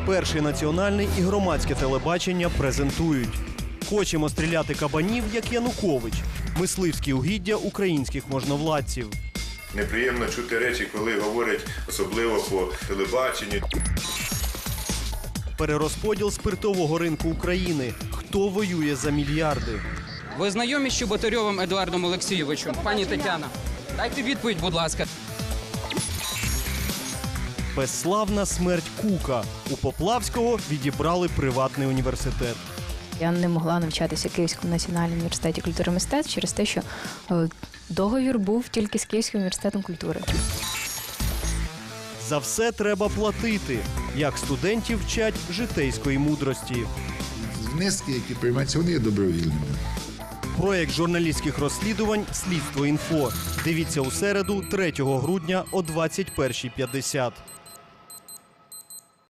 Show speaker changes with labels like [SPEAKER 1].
[SPEAKER 1] Перший національний і громадське телебачення презентують. Хочемо стріляти кабанів, як Янукович. Мисливські угіддя українських можновладців.
[SPEAKER 2] Неприємно чути речі, коли говорять, особливо по телебаченню.
[SPEAKER 1] Перерозподіл спиртового ринку України. Хто воює за мільярди?
[SPEAKER 3] Ви знайомі з Чеботарьовим Едуардом Олексійовичем? Пані Тетяна, дайте відповідь, будь ласка.
[SPEAKER 1] Безславна смерть Кука. У Поплавського відібрали приватний університет.
[SPEAKER 4] Я не могла навчатися в Київському національному університеті культури і мистецтв через те, що договір був тільки з Київським університетом культури.
[SPEAKER 1] За все треба платити. Як студентів вчать житейської мудрості.
[SPEAKER 5] Внески, які приймаються, вони є добровільними.
[SPEAKER 1] Проєкт журналістських розслідувань «Слідство.Інфо». Дивіться у середу, 3 грудня о 21:50.